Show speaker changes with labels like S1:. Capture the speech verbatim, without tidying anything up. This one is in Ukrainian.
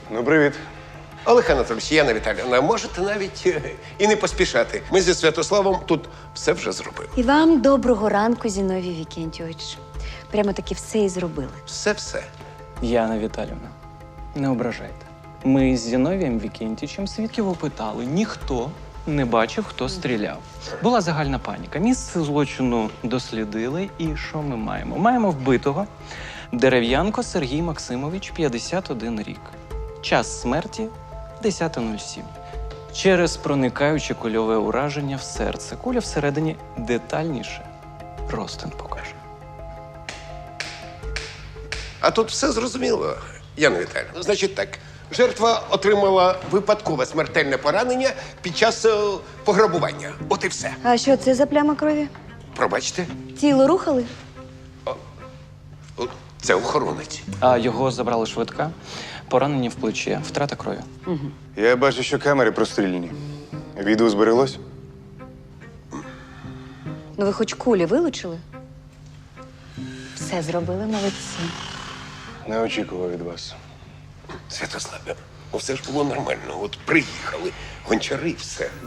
S1: Ну, привіт.
S2: Олег Анатольович, Яна Віталіївна, можете навіть е, і не поспішати. Ми зі Святославом тут все вже зробили.
S3: І вам доброго ранку, Зіновій Вікентійович. Прямо таки все і зробили.
S2: Все-все.
S4: Яна Віталівна, не ображайте. Ми з Зіновієм Вікентічем свідків опитали. Ніхто не бачив, хто стріляв. Була загальна паніка. Місце злочину дослідили. І що ми маємо? Маємо вбитого Дерев'янко Сергій Максимович, п'ятдесят один рік. Час смерті – десята нуль сім. Через проникаюче кульове ураження в серце. Куля всередині детальніше розтин покаже.
S2: А тут все зрозуміло, Яна Віталіївна. Значить так, жертва отримала випадкове смертельне поранення під час е, пограбування. От і все.
S3: А що це за пляма крові?
S2: Пробачте,
S3: Тіло рухали?
S2: О, це охоронець.
S4: А його забрали швидка. Поранення в плечі, втрата крові.
S1: Я бачу, що камери простріляні. Відео збереглось?
S3: Ну ви хоч кулі вилучили? Все зробили, молодці.
S1: Не очікував від вас.
S2: Святославе, ну все ж було нормально. От приїхали, гончари, все.